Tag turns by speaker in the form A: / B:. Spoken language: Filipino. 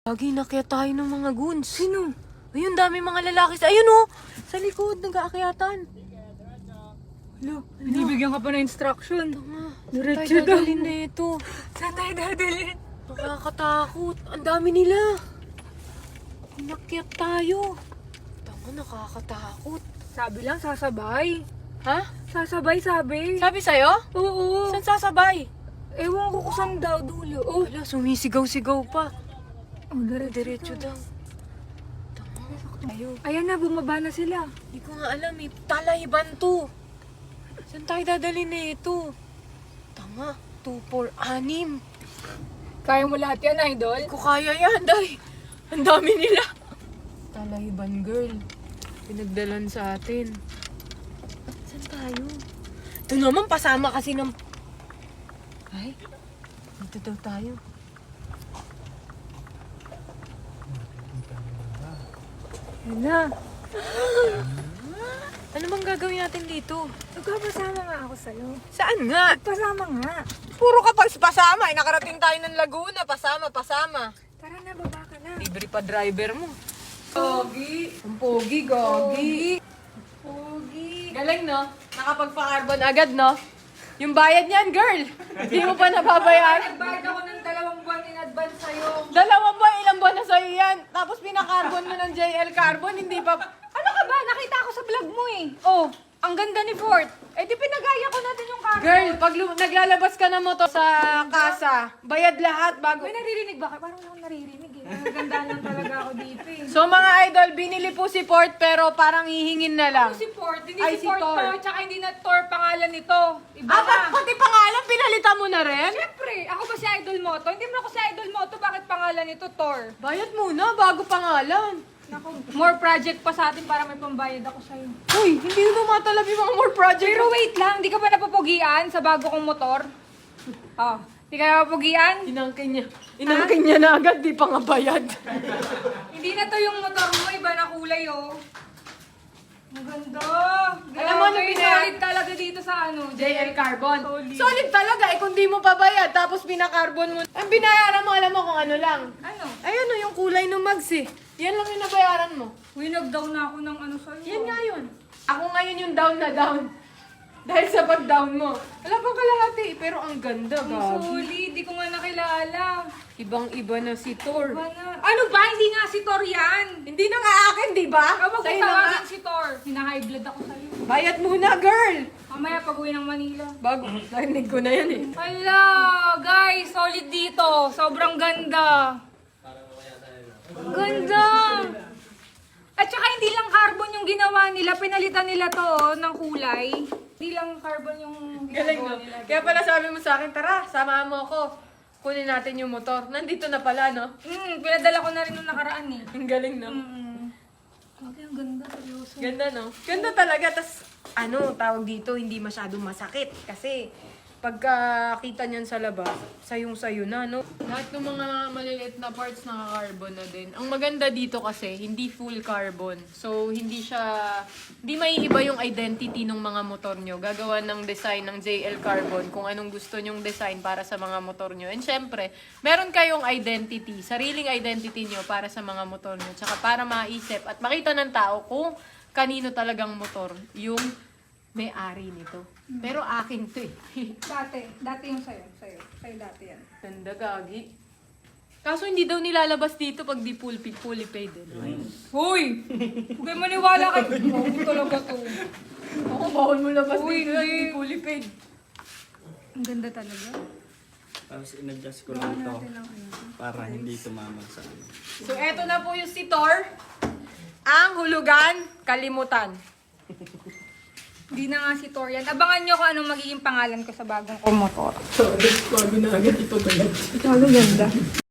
A: Lagi nakyat tayo ng mga goons. Sino? Ayun, dami mga lalaki. Ayun oh! Sa likod, nag-aakyatan.
B: Hello, binibigyan ka pa ng instruction.
A: Diretso daw. Dadalhin na ito.
B: Saan tayo dadalhin?
A: Nakakatakot. Ang dami nila. Nakyat tayo. Tama, nakakatakot.
B: Sabi lang, sasabay.
A: Ha?
B: Sasabay, sabi.
A: Sabi sa'yo?
B: Oo.
A: Saan sasabay?
B: Ewan ko kung saan daw dulo. Oh,
A: Wala, sumisigaw-sigaw pa.
B: diretso
A: Diretso daw. Tama, tayo.
B: Ayan na, bumaba na sila.
A: Hindi ko nga alam eh. Talahiban to. Saan tayo dadalhin na ito? Tama, 2, 4, 6.
B: Kaya mo lahat yan, idol?
A: Hindi ko kaya yan, day. Ang dami nila. Talahiban girl. Pinagdalan sa atin. Saan tayo? Ito naman, pasama kasi ng... Ay, dito daw tayo.
B: Ayan na.
A: Ano bang gagawin natin dito?
B: Nagpapasama nga ako sa'yo.
A: Saan nga?
B: Pasama nga.
A: Puro ka pasama. Nakarating tayo ng Laguna. Pasama.
B: Tara na, baba ka na.
A: Libre pa driver mo. Pogi. Ang pogi, gogi.
B: Pogi.
A: Galing, no? Nakapagpa-carbon agad, no? Yung bayad niyan, girl. Hindi mo pa nababayaran.
B: Nagbayad ako ng 2 buwan in advance sa'yo.
A: 2 buwan, ilang buwan na sa'yo yan. Tapos pinaka-carbon mo ng JL Carbon, hindi pa...
B: Ano ka ba? Nakita ko sa vlog mo eh. Oh, ang ganda ni Fort. Eh di pinagaya ko natin yung carbon.
A: Girl, pag naglalabas ka ng motor sa kasa, bayad lahat bago...
B: May naririnig ba kayo? Parang wala akong naririnig eh. Nagandaan lang talaga ako dito eh.
A: So mga idol, binili po si Ford pero parang hihingin na lang.
B: Ano si Fort? Hindi
A: Ay,
B: si
A: si
B: Fort
A: Thor.
B: to, tsaka hindi na Thor pangalan nito. Iba
A: Ah,
B: ka.
A: pati pangalan, pinalitan mo na rin?
B: Siyempre, ako ba si Idol Moto? Hindi mo ako si Idol Moto, bakit pangalan nito Thor?
A: Bayad muna bago pangalan.
B: Naku, more project pa sa atin para may pambayad ako sa'yo.
A: Uy, hindi mo matalab yung mga more project.
B: Pero wait lang, di ka ba napapugian sa bago kong motor? Oh, di ka napapugian?
A: Inangkin niya na agad, di pa nga bayad.
B: Hindi na to yung motor mo, iba na kulay oh. Ang ganda.
A: Alam mo ano binayaran?
B: Solid talaga dito sa ano,
A: JL Carbon.
B: Solid.
A: Solid talaga eh, kung di mo pa bayad, tapos pinakarbon mo. Ang binayaran mo, alam mo kung ano lang.
B: Ano?
A: Ayun o, yung kulay ng mags eh. Yan lang yung nabayaran mo.
B: Uy, nag-down na ako ng ano sa'yo.
A: Yan nga yun. Ako ngayon yung down na down. Dahil sa pag-down mo. Wala pang kalahati, pero ang ganda,
B: Ang
A: gabi.
B: solid, di ko nga nakilala.
A: Ibang-iba na si Thor.
B: Iba na. Ano ba? Hindi nga si Thor yan.
A: Hindi na nga akin, di ba?
B: Kapag
A: Sa'yo
B: ko
A: na nga.
B: tawagin si Thor, hina-high blood ako sa'yo.
A: Bayad muna, girl!
B: Mamaya pag-uwi ng Manila.
A: Bago, narinig ko na yan eh.
B: Hala, guys, solid dito. Sobrang ganda. Ganda. At saka hindi lang carbon yung ginawa nila, pinalitan nila to oh, ng kulay. Hindi lang carbon yung
A: Galing, no?
B: ginagawa nila.
A: Kaya pala sabi mo sa akin, tara, samahan mo ako. Kunin natin yung motor. Nandito na pala, no?
B: Pinadala ko na rin nung nakaraan eh.
A: Ang galing, no?
B: Okay, ang ganda. Seryoso.
A: Ganda, no? Ganda talaga. Tas, tawag dito, hindi masyadong masakit. Kasi, pagkakita niyan sa labas, sayong-sayo na, no? Lahat ng mga maliliit na parts naka-carbon na din. Ang maganda dito kasi, hindi full carbon. So, hindi maiiba yung identity ng mga motor nyo. Gagawa ng design ng JL Carbon kung anong gusto nyong design para sa mga motor nyo. And syempre, meron kayong identity, sariling identity nyo para sa mga motor nyo. Tsaka para maisip at makita ng tao kung kanino talagang motor yung may-ari nito. Pero akin to eh.
B: Dati yung sa'yo. Sa'yo dati yan.
A: Ganda, gagi. Kaso hindi daw nilalabas dito pag di fully paid.
B: Hoy! Huwag kayo maniwala kay... Huwag talaga to.
A: Ako, bawal mo labas
B: Uy,
A: dito
B: uy.
A: di fully paid.
B: Ang ganda talaga.
C: Tapos in-adjust ko lang ito para hindi tumama sa ano.
A: So, eto na po yung si Thor. Ang hulugan, kalimutan.
B: Hindi na nga si Thor yan. Abangan nyo kung anong magiging pangalan ko sa bagong kong motor.
A: So, bago na agad ito talaga.
B: Ito, ganda.